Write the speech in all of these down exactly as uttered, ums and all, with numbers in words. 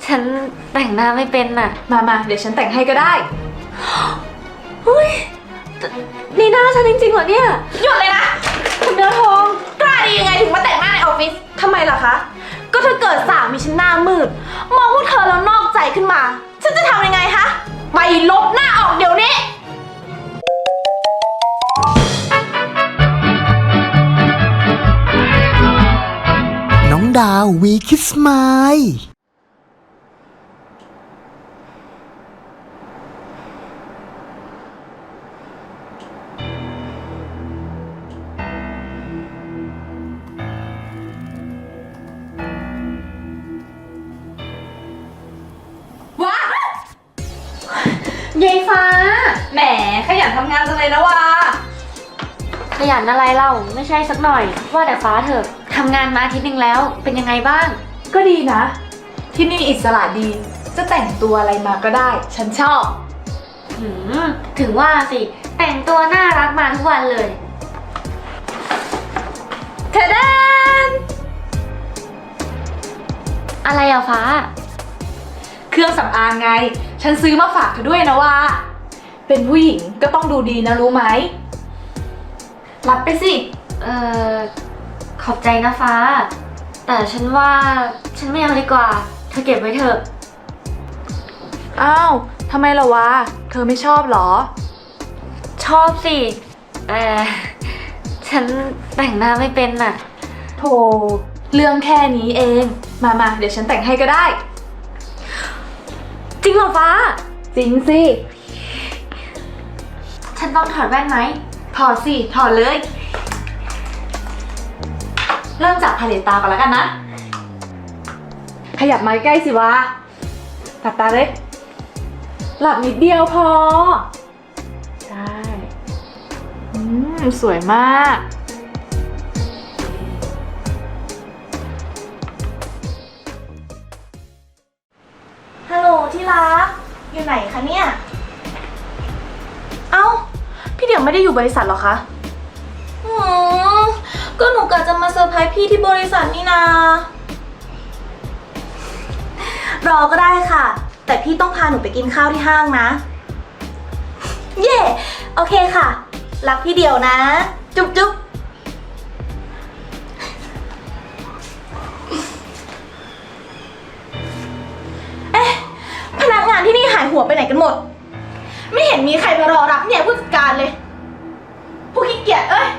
ฉันแต่งหน้าไม่เป็นน่ะมามาเดี๋ยวฉันแต่งให้ก็ได้เฮ้ยนี่หน้าฉันจริงๆเหรอเนี่ยหยุดเลยนะคุณเนื้อทองกล้าดียังไงถึงมาแต่งหน้าในออฟฟิศทำไมล่ะคะก็ถ้าเกิดสามีฉันหน้ามืดมองพวกเธอแล้วนอกใจขึ้นมาฉันจะทำยังไงคะไปลบหน้าออกเดี๋ยวนี้น้องดาววีคิสมายยายฟ้าแหมขยันทำงานจังเลยนะวะขยันอะไรเล่าไม่ใช่สักหน่อยว่าแต่ฟ้าเถอะทำงานมาอาทิตย์นึงแล้วเป็นยังไงบ้างก็ดีนะที่นี่อิสระดีจะแต่งตัวอะไรมาก็ได้ฉันชอบหืมถึงว่าสิแต่งตัวน่ารักมาทุกวันเลยเทเดนอะไรอะฟ้าเครื่องสำอางไงฉันซื้อมาฝากเธอด้วยนะว่าเป็นผู้หญิงก็ต้องดูดีนะรู้ไหมรับไปสิเอ่อขอบใจนะฟ้าแต่ฉันว่าฉันไม่เอาดีกว่าเธอเก็บไว้เถอะอ้าวทำไมล่ะวะเธอไม่ชอบหรอชอบสิแต่ฉันแต่งหน้าไม่เป็นน่ะโธ่เรื่องแค่นี้เองมามาเดี๋ยวฉันแต่งให้ก็ได้จริงเหรอฟ้าจริงสิฉันต้องถอดแว่นไหมถอดสิถอดเลยเริ่มจากพาเลตตาก่อนแล้วกันนะขยับมาใกล้สิวะหลับตาเลยหลับนิดเดียวพอใช่อืมสวยมากฮัลโหลที่รักอยู่ไหนคะเนี่ยเอ้าพี่เดี๋ยวไม่ได้อยู่บริษัทหรอคะอืมก็หนูกะจะมาเซอร์ไพรส์พี่ที่บริษัทนี่นารอก็ได้ค่ะแต่พี่ต้องพาหนูไปกินข้าวที่ห้างนะเย่โอเคค่ะรักพี่เดียวนะจุ๊บจุ๊บเอ๊ะพนักงานที่นี่หายหัวไปไหนกันหมดไม่เห็นมีใครมารอรับเนี่ยผู้จัดการเลยผู้ขี้เกียจเอ้ย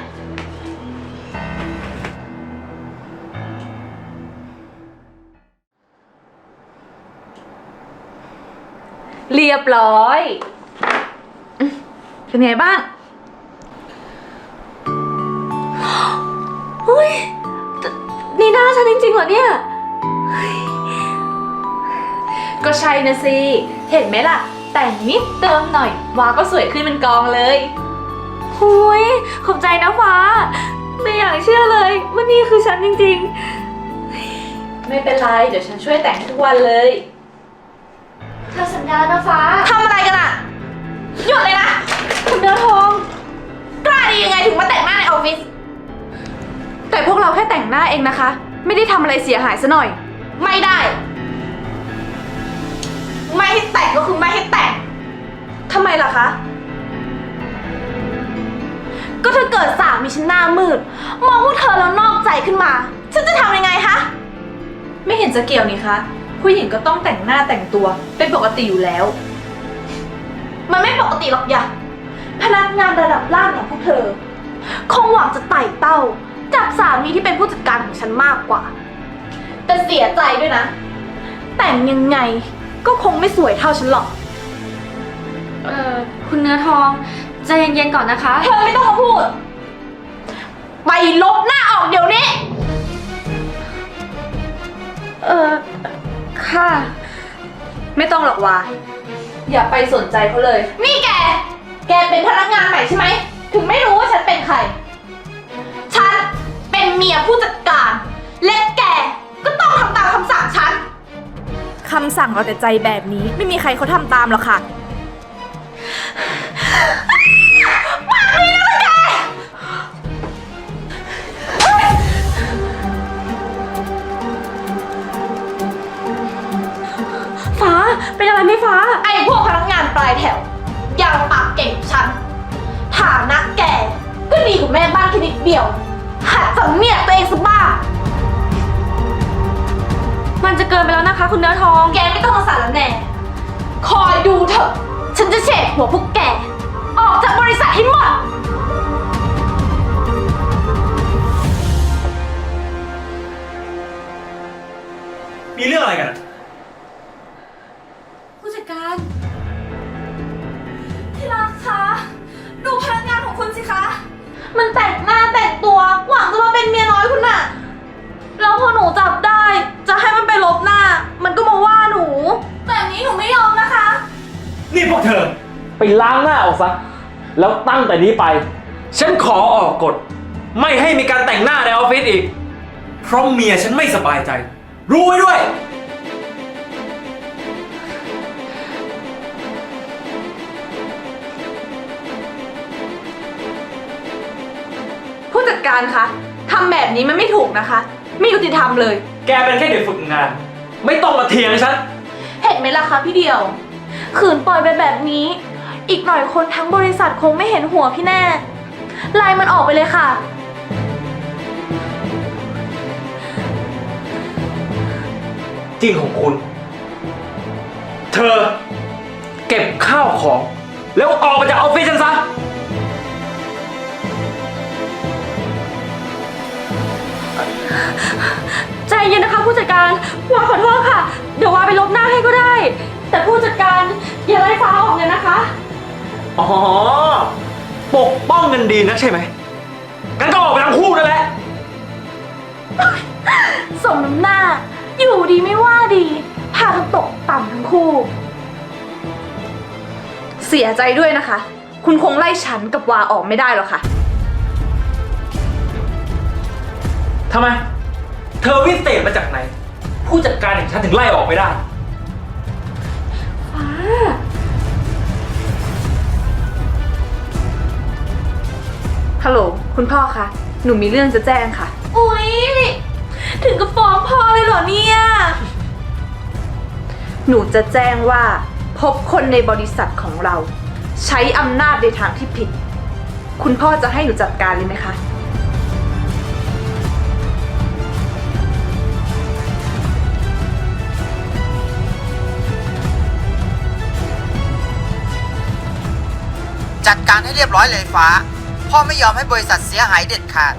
เรียบร้อยเป็นไงบ้างเฮ้ยนี่หน้าฉันจริงๆเหรอเนี่ยก็ใช่นะสิเห็นไหมล่ะแต่งนิดเติมหน่อยวาก็สวยขึ้นเป็นกองเลยหุยขอบใจนะฟ้าไม่อยากเชื่อเลยว่านี่คือฉันจริงๆไม่เป็นไรเดี๋ยวฉันช่วยแต่งให้ทุกวันเลยเธอสัญญานะฟ้าทำอะไรกันอะหยุดเลยนะคุณเนื้อทองกล้าดียังไงถึงมาแต่งหน้าในออฟฟิศแต่พวกเราแค่แต่งหน้าเองนะคะไม่ได้ทำอะไรเสียหายซะหน่อยไม่ได้ไม่ให้แต่งก็คือไม่ให้แต่งทำไมล่ะคะก็ถ้าเกิดสามีฉันหน้ามืดมองพวกเธอแล้วนอกใจขึ้นมาฉันจะทำยังไงคะไม่เห็นจะเกี่ยวนี่คะผู้หญิงก็ต้องแต่งหน้าแต่งตัวเป็นปกติอยู่แล้วมันไม่ปกติหรอกอย่าพนักงานระดับล่างอย่างพวกเธอคงหวังจะไต่เต้าจับสามีที่เป็นผู้จัดการของฉันมากกว่าแต่เสียใจด้วยนะแต่งยังไงก็คงไม่สวยเท่าฉันหรอกเอ่อคุณเนื้อทองใจเย็นๆก่อนนะคะเธอไม่ต้องมาพูดไปลบหน้าออกเดี๋ยวนี้เออค่ะไม่ต้องหรอกวะอย่าไปสนใจเขาเลยนี่แกแกเป็นพนักงานใหม่ใช่ไหมถึงไม่รู้ว่าฉันเป็นใครฉันเป็นเมียผู้จัดการและแกก็ต้องทำตามคำสั่งฉันคำสั่งเราแต่ใจแบบนี้ไม่มีใครเขาทำตามหรอกค่ะปากดีนะแกฟ้า ไอ้พวกพนักงานปลายแถวอย่างปากเก่งฉันฐานะแกก็ดีกว่าแม่บ้านแค่นิดเดียวหัดสำเนียกตัวเองสักบ้างมันจะเกินไปแล้วนะคะ คุณเนื้อทองแกไม่ต้องมาสารแหน่คอยดูเถอะฉันจะเฉดหัวพวกแกออกจากบริษัทให้หมดมีเรื่องอะไรกันอะผู้จัดการที่รักคะดูพนักงานของคุณสิคะ มันแต่งหน้าแต่งตัวหวังจะมาเป็นเมียน้อยคุณน่ะแล้วพอหนูจับได้จะให้มันไปลบหน้า มันก็มาว่าหนูแบบนี้หนูไม่ยอมนะคะนี่พวกเธอ ไปล้างหน้าออกซะ แล้วตั้งแต่นี้ไป ฉันขอออกกฎ ไม่ให้มีการแต่งหน้าในออฟฟิศอีก เพราะเมียฉันไม่สบายใจ รู้ไว้ด้วยผู้จัดการคะทำแบบนี้มันไม่ถูกนะคะ ไม่ยุติธรรมเลยแกเป็นแค่เด็กฝึกงาน ไม่ต้องมาเถียงฉันเห็นไหมล่ะคะพี่เดียว ขืนปล่อยไปแบบนี้ อีกหน่อยคนทั้งบริษัทคงไม่เห็นหัวพี่แน่ไล่มันออกไปเลยค่ะจริงของคุณ เธอ เก็บข้าวของ แล้วออกมาจากออฟฟิศฉันซะใจเย็นนะคะผู้จัดการวาขอโทษค่ะ เดี๋ยววาไปลบหน้าให้ก็ได้ แต่ผู้จัดการอย่าไล่ฟ้าออกเลยนะคะอ๋อ ปกป้องกันดีนะใช่ไหมงั้นก็ออกไปทั้งคู่นั่นแหละสมน้ำหน้า อยู่ดีไม่ว่าดี พากันตกต่ำทั้งคู่ เสียใจด้วยนะคะ คุณคงไล่ฉันกับวาออกไม่ได้หรอกค่ะทำไม เธอวิเศษมาจากไหน ผู้จัดการอย่างฉันถึงไล่ออกไม่ได้ฟ้าฮัลโหล คุณพ่อคะ หนูมีเรื่องจะแจ้งค่ะ อุ๊ย ถึงกับฟ้องพ่อเลยเหรอเนี่ย หนูจะแจ้งว่า พบคนในบริษัทของเรา ใช้อำนาจในทางที่ผิด คุณพ่อจะให้หนูจัดการเลยไหมคะจัดการให้เรียบร้อยเลยฟ้า พ่อไม่ยอมให้บริษัทเสียหายเด็ดขาด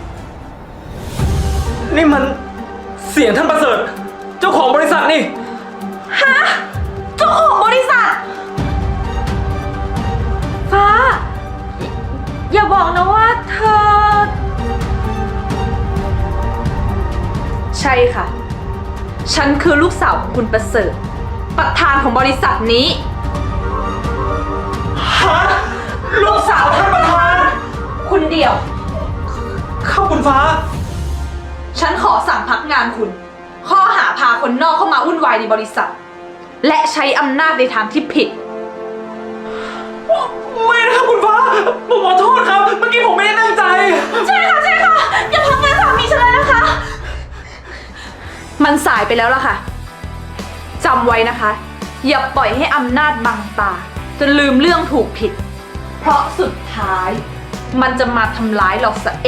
นี่มันเสียงท่านประเสริฐ เจ้าของบริษัทนี่ฮะ เจ้าของบริษัทฟ้า อย่าบอกนะว่าเธอใช่ค่ะ ฉันคือลูกสาวของคุณประเสริฐ ประธานของบริษัทนี้ฮะ ลูกสาวท่านประธานคุณเดี่ยวข้าคุณฟ้าฉันขอสั่งพักงานคุณ ข้อหาพาคนนอกเข้ามาวุ่นวายในบริษัท และใช้อำนาจในทางที่ผิดไม่นะครับคุณฟ้า ผมขอโทษครับ เมื่อกี้ผมไม่ได้ตั้งใจใช่ค่ะ ใช่ค่ะ อย่าพักงานสามีฉันเลยนะคะ มันสายไปแล้วล่ะค่ะจำไว้นะคะ อย่าปล่อยให้อำนาจบังตาจนลืมเรื่องถูกผิด เพราะสุดท้าย มันจะมาทำร้ายเราซะเอง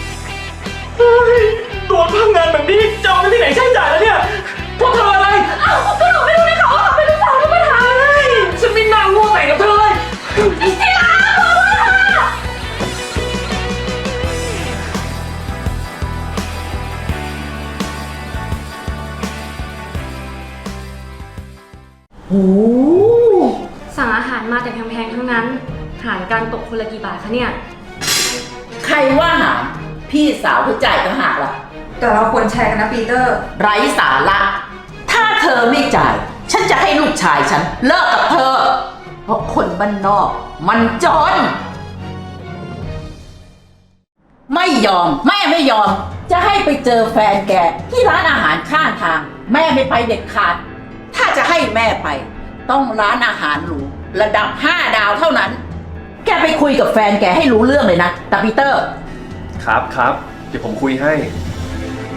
โดนพังงานแบบนี้จะเอาไปที่ไหนใช้จ่ายแล้วเนี่ย พวกเธออะไรเอ้าก็หนูไม่รู้เลยค่ะว่าเขาเป็นลูกสาวท่านประธานฉันไม่น่าโง่แต่งกับเธอเลยที่รักขอโทษค่ะสั่งอาหารมาแต่แพงๆทั้งนั้น หารการตกคนละกี่บาทคะเนี่ยใครว่าหารพี่สาวเธอจ่ายต่างหากล่ะแต่เราควรแชร์กันนะปีเตอร์ไร้สาระ ถ้าเธอไม่จ่าย ฉันจะให้ลูกชายฉันเลิกกับเธอ เพราะคนบ้านนอก มันจน ไม่ยอม แม่ไม่ยอม จะให้ไปเจอแฟนแกที่ร้านอาหารข้างทาง แม่ไม่ไปเด็ดขาด ถ้าจะให้แม่ไป ต้องร้านอาหารหรูระดับห้าดาวเท่านั้น แกไปคุยกับแฟนแกให้รู้เรื่องเลยนะตาปีเตอร์ครับครับ เดี๋ยวผมคุยให้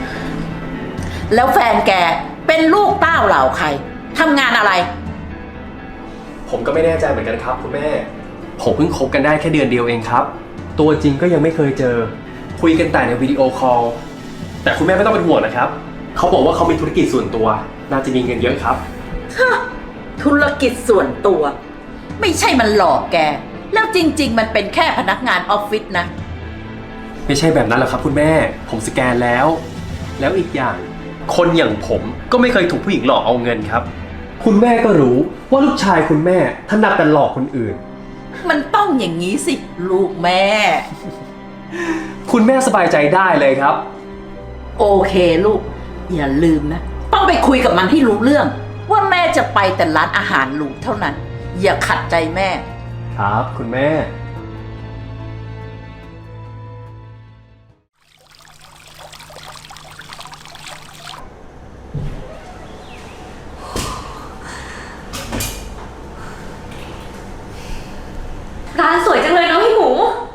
แล้วแฟนแกเป็นลูกเต้าเหล่าใครทำงานอะไรผมก็ไม่แน่ใจเหมือนกันครับคุณแม่ ผมเพิ่งคบกันได้แค่เดือนเดียวเองครับ ตัวจริงก็ยังไม่เคยเจอ คุยกันแต่ในวิดีโอคอล แต่คุณแม่ไม่ต้องเป็นห่วงนะครับ เขาบอกว่าเขามีธุรกิจส่วนตัว น่าจะมีเงินเยอะครับธุรกิจส่วนตัว ไม่ใช่มันหลอกแก แล้วจริง ๆ มันเป็นแค่พนักงานออฟฟิศนะไม่ใช่แบบนั้นหรอกครับคุณแม่ ผมสแกนแล้ว แล้วอีกอย่าง คนอย่างผมก็ไม่เคยถูกผู้หญิงหลอกเอาเงินครับ คุณแม่ก็รู้ว่าลูกชายคุณแม่ถนัดแต่หลอกคนอื่นมันต้องอย่างนี้สิ ลูกแม่คุณแม่สบายใจได้เลยครับโอเคลูก อย่าลืมนะ ต้องไปคุยกับมันให้รู้เรื่อง ว่าแม่จะไปแต่ร้านอาหารหรูเท่านั้น อย่าขัดใจแม่ครับ คุณแม่ร้านสวยจังเลยเนาะพี่หมู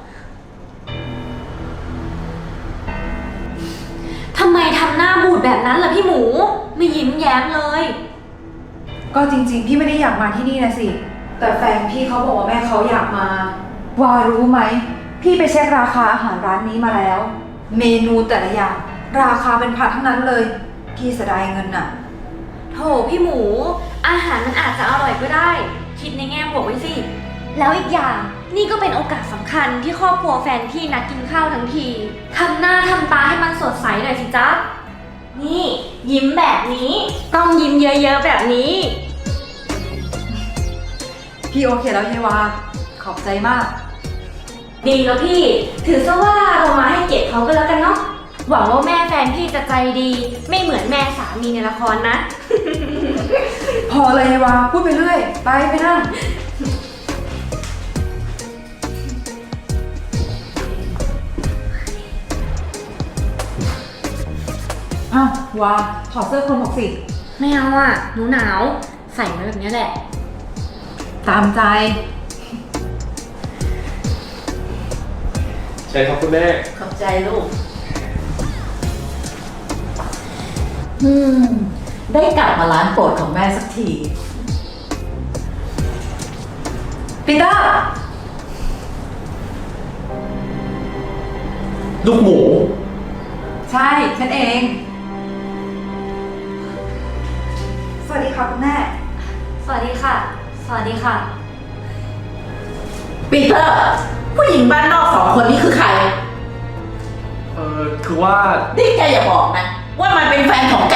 ทำไมทำหน้าบูดแบบนั้นล่ะพี่หมูไม่ยิ้มแย้มเลยก็จริงๆ พี่ไม่ได้อยากมาที่นี่นะสิ แต่แฟนพี่เขาบอกว่าแม่เขาอยากมา ว่ารู้ไหม พี่ไปเช็คราคาอาหารร้านนี้มาแล้ว เมนูแต่ละอย่างราคาเป็นพันทั้งนั้นเลย พี่เสียดายเงินน่ะโถพี่หมูอาหารมันอาจจะอร่อยก็ได้ คิดในแง่บวกไว้สิ แล้วอีกอย่างนี่ก็เป็นโอกาสสำคัญที่ครอบครัวแฟนพี่นัดกินข้าวทั้งทีทำหน้าทำตาให้มันสดใสหน่อยสิจ๊ะนี่ยิ้มแบบนี้ต้องยิ้มเยอะๆแบบนี้พี่โอเคแล้วเยวาขอบใจมากดีแล้วพี่ถือซะว่าเรามาให้เกียรติเขาก็แล้วกันเนาะหวังว่าแม่แฟนพี่จะใจดีไม่เหมือนแม่สามีในละครนะพอเลยเยวาพูดไปเรื่อย ไปไปนั่งอ้าววาถอดเสื้อคลุมออกสิไม่เอาอ่ะหนูหนาวใส่มาแบบนี้แหละตามใจใช่ครับคุณแม่ขอบใจลูก อืม ได้กลับมาร้านโปรดของแม่สักทีปีเตอร์ลูกหมูใช่ ฉันเอง สวัสดีค่ะคุณแม่สวัสดีค่ะ สวัสดีค่ะปีเตอร์ ผู้หญิงบ้านนอกสองคนนี้คือใครเออคือว่านี่แกอย่าบอกนะ ว่ามันเป็นแฟนของแก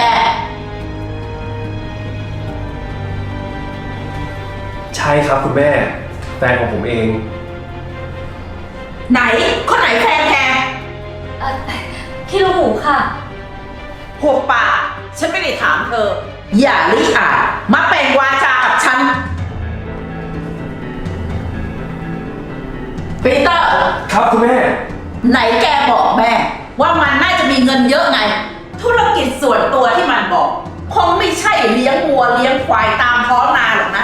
ใช่ครับคุณแม่ แฟนของผมเองไหน คนไหนแฟนแกเอ่อพี่ลูกหมูค่ะหัวปากฉันไม่ได้ถามเธอ อย่าลิอาจมาแปลงวาจากับฉัน ปีเตอร์ครับคุณแม่ไหนแกบอกแม่ ว่ามันน่าจะมีเงินเยอะไง ธุรกิจส่วนตัวที่มันบอก คงไม่ใช่เลี้ยงวัวเลี้ยงควายตามท้องนาหรอกนะ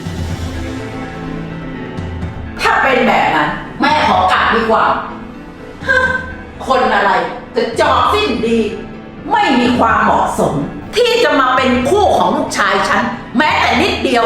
ถ้าเป็นแบบนั้น แม่ขอกลับดีกว่าฮะคนอะไรจะจอกสิ้นดี ไม่มีความเหมาะสม ที่จะมาเป็นคู่ของลูกชายฉัน แม้แต่นิดเดียว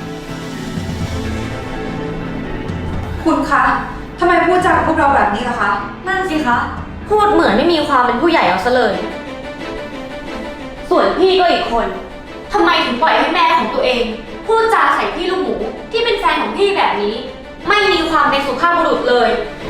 คุณคะ ทำไมพูดจากับพวกเราแบบนี้ล่ะคะนั่นสิคะ พูดเหมือนไม่มีความเป็นผู้ใหญ่เอาซะเลย ส่วนพี่ก็อีกคนทำไมถึงปล่อยให้แม่ของตัวเอง พูดจาใส่พี่ลูกหมูที่เป็นแฟนของพี่แบบนี้ ไม่มีความเป็นสุภาพบุรุษเลย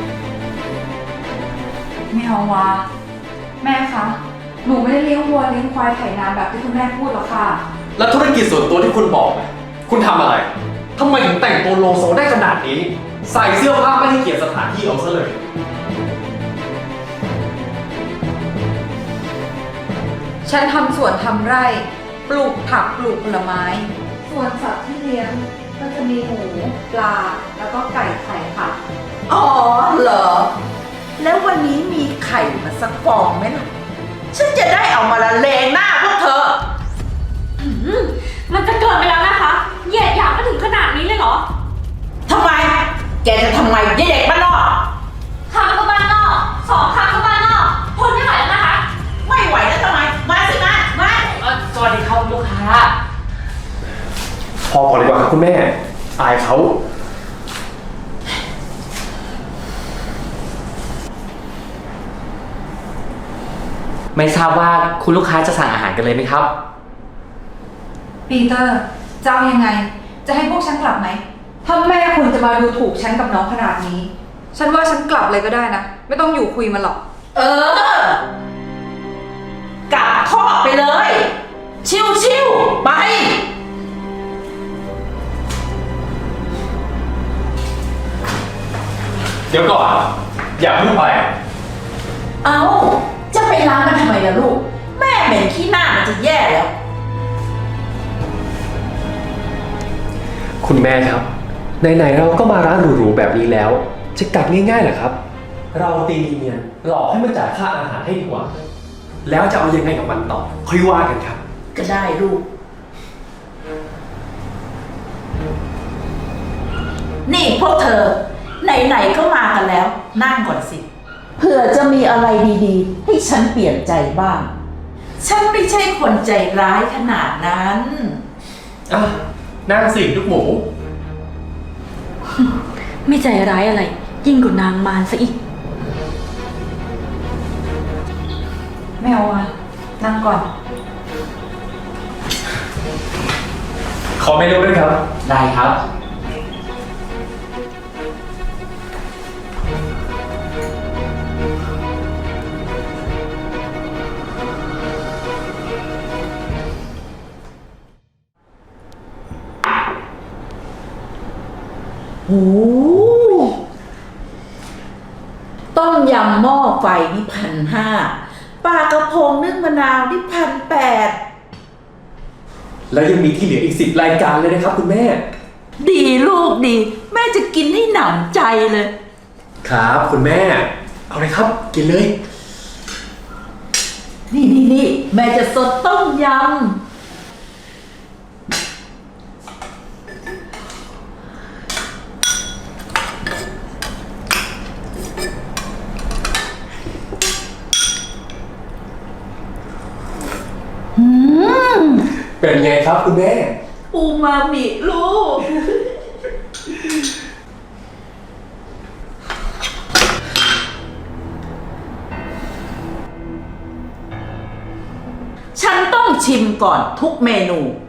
ไม่เอาวะแม่คะ หนูไม่ได้เลี้ยงวัวเลี้ยงควายไถนาแบบที่คุณแม่พูดหรอกค่ะแล้วธุรกิจส่วนตัวที่คุณบอกอะคุณทำอะไรทำไมถึงแต่งตัวโลโซได้ขนาดนี้ ใส่เสื้อผ้าไม่ให้เกียรติสถานที่เอาซะเลยฉันทำสวนทำไร่ ปลูกผักปลูกผลไม้ ส่วนสัตว์ที่เลี้ยงก็จะมีหมูปลา แล้วก็ไก่ไข่ค่ะอ๋อเหรอ แล้ววันนี้มีไข่มาสักฟองไหมล่ะ ฉันจะได้เอามาละเลงหน้าพวกเธออืมมันจะเกินไปแล้วนะคะเหยียดหยามมาถึงขนาดนี้เลยเหรอทำไม แกจะทำไมยายเด็กบ้านนอกคำก็บ้านนอกสองคำก็บ้านนอกทนไม่ไหวแล้วนะคะไม่ไหวแล้วทำไม มาสิมามาสวัสดีครับลูกค้าพอก่อนดีกว่าครับคุณแม่อายเขาไม่ทราบว่าคุณลูกค้าจะสั่งอาหารกันเลยไหมครับปีเตอร์จะเอายังไง จะให้พวกฉันกลับไหมถ้าแม่คุณจะมาดูถูกฉันกับน้องขนาดนี้ ฉันว่าฉันกลับเลยก็ได้นะ ไม่ต้องอยู่คุยมันหรอกเออ กลับคอกไปเลย ชิวชิวๆไปเดี๋ยวก่อน อย่าเพิ่งไปเอาจะไปล้างมันทำไมล่ะลูก แม่เหม็นขี้หน้ามันจะแย่แล้วคุณแม่ครับไหนๆเราก็มาร้านหรูๆแบบนี้แล้ว จะกลับง่ายๆเหรอครับ เราตีเนียนหลอกให้มันจ่ายค่าอาหารให้ดีกว่า แล้วจะเอายังไงกับมันต่อค่อยว่ากันครับก็ได้ลูก นี่พวกเธอ ไหนๆก็มากันแล้ว นั่งก่อนสิเผื่อจะมีอะไรดีๆ ให้ฉันเปลี่ยนใจบ้าง ฉันไม่ใช่คนใจร้ายขนาดนั้นอ่ะนั่งสิลูกหมูไม่ใจร้ายอะไร ยิ่งกว่านางมารซะอีกไม่เอาอะนั่งก่อนขอเมนูด้วยครับได้ครับโอ้ต้มยำหม้อไฟนี่พันห้าปลากระพงนึ่งมะนาวนี่พันแปดแล้วยังมีที่เหลืออีกสิบรายการเลยนะครับคุณแม่ดีลูกดี แม่จะกินให้หนำใจเลยครับคุณแม่ เอาเลยครับ กินเลยนี่นี่นี่แม่จะสดต้มยำ อืมเป็นไงครับคุณแม่อูมามิลูก ฉันต้องชิมก่อนทุกเมนู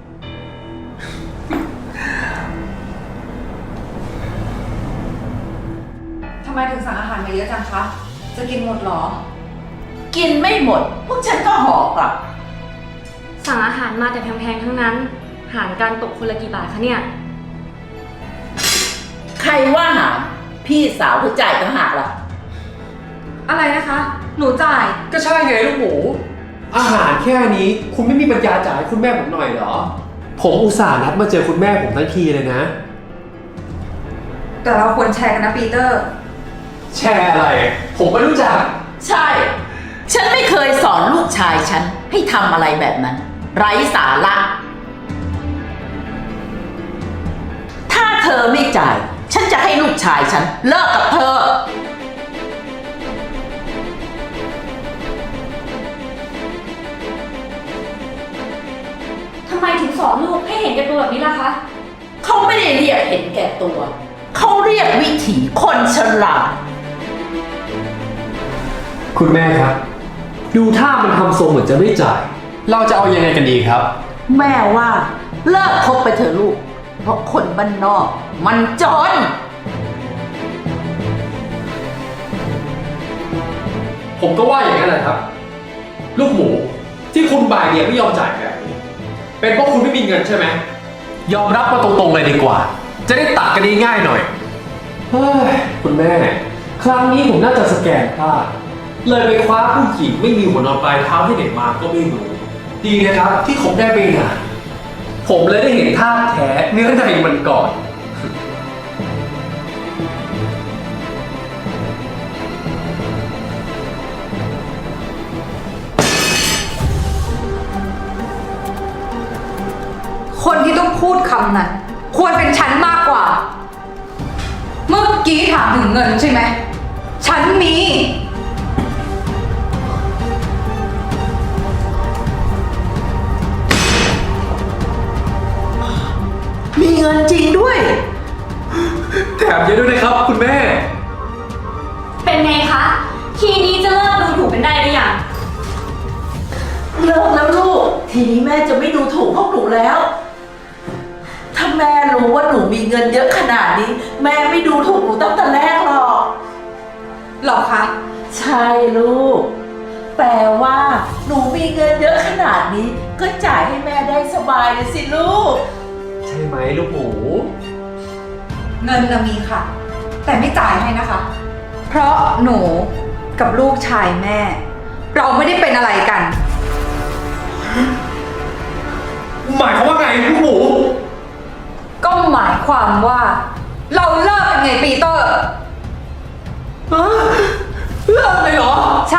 ทำไมถึงสั่งอาหารมาเยอะจังคะ จะกินหมดเหรอกินไม่หมด พวกฉันก็ห่อกลับสั่งอาหารมาแต่แพงๆทั้งนั้น หารการตกคนละกี่บาทคะเนี่ยใครว่าหารพี่สาวเธอจ่ายต่างหากล่ะอะไรนะคะ หนูจ่ายก็ใช่ไงลูกหมู อาหารแค่นี้คุณไม่มีปัญญาจ่ายให้คุณแม่ผมหน่อยเหรอ ผมอุตส่าห์นัดมาเจอคุณแม่ผมทั้งทีเลยนะแต่เราควรแชร์กันนะปีเตอร์แชร์อะไร ผมไม่รู้จักใช่ ฉันไม่เคยสอนลูกชายฉันให้ทำอะไรแบบนั้น ไร้สาระ ถ้าเธอไม่จ่าย ฉันจะให้ลูกชายฉันเลิกกับเธอทำไมถึงสอนลูกให้เห็นแก่ตัวแบบนี้ล่ะคะเขาไม่ได้เรียกเห็นแก่ตัว เขาเรียกวิถีคนฉลาดคุณแม่ครับ ดูท่ามันทำทรงเหมือนจะไม่จ่าย เราจะเอายังไงกันดีครับแม่ว่าเลิกคบไปเถอะลูก เพราะคนบ้านนอก มันจนผมก็ว่าอย่างนั้นแหละครับ ลูกหมูที่คุณบ่ายเบียงไม่ยอมจ่ายแบบนี้ เป็นเพราะคุณไม่มีเงินใช่ไหม ยอมรับมาตรงๆเลยดีกว่า จะได้ตัดกันง่ายๆหน่อย เฮ้ย คุณแม่ ครั้งนี้ผมน่าจะสแกนพลาด เลยไปคว้าผู้หญิงไม่มีหัวนอนปลายเท้าที่ไหนมาก็ไม่รู้ ดีนะครับที่ผมได้ไปงานผมเลยได้เห็นท่าแท้เนื้อในมันก่อนคนที่ต้องพูดคำนั้น ควรเป็นฉันมากกว่า เมื่อกี้ถามถึงเงินใช่ไหม ฉันมีมีเงินจริงด้วยแบบนี้ด้วยนะครับ คุณแม่เป็นไงคะ ทีนี้จะเลิกดูถูกกันได้หรือยังเลิกแล้วลูก ทีนี้แม่จะไม่ดูถูกพวกหนูแล้ว ถ้าแม่รู้ว่าหนูมีเงินเยอะขนาดนี้ แม่ไม่ดูถูกหนูตั้งแต่แรกหรอกหรอคะใช่ลูก แต่ว่าหนูมีเงินเยอะขนาดนี้ ก็จ่ายให้แม่ได้สบายเลยสิลูกใช่ไหมลูกหมูเงินเรามีค่ะ แต่ไม่จ่ายให้นะคะ เพราะหนูกับลูกชายแม่ เราไม่ได้เป็นอะไรกันหมายความว่าไงลูกหมูก็หมายความว่า เราเลิกกันไงปีเตอร์ฮะเลิกเลยเหรอใช่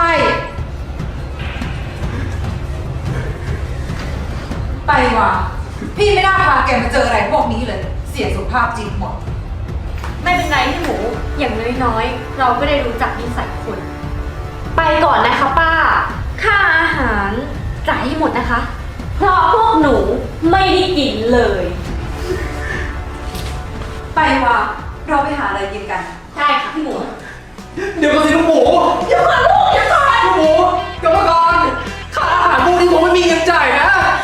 ไปว่ะพี่ไม่น่าพาแกมาเจออะไรพวกนี้เลย เสียสุขภาพจิตหมดไม่เป็นไรพี่หมู อย่างน้อยๆ เราก็ได้รู้จักนิสัยคน ไปก่อนนะคะป้า ค่าอาหารจ่ายให้หมดนะคะ เพราะพวกหนูไม่ได้กินเลยไปว่ะเราไปหาอะไรกินกันใช่ค่ะพี่หมูเดี๋ยวก่อนสิลูกหมูเดี๋ยวก่อนลูกเดี๋ยวก่อนลูกหมูเดี๋ยวก่อนค่าอาหารพวกนี้ผมไม่มีเงินจ่ายนะ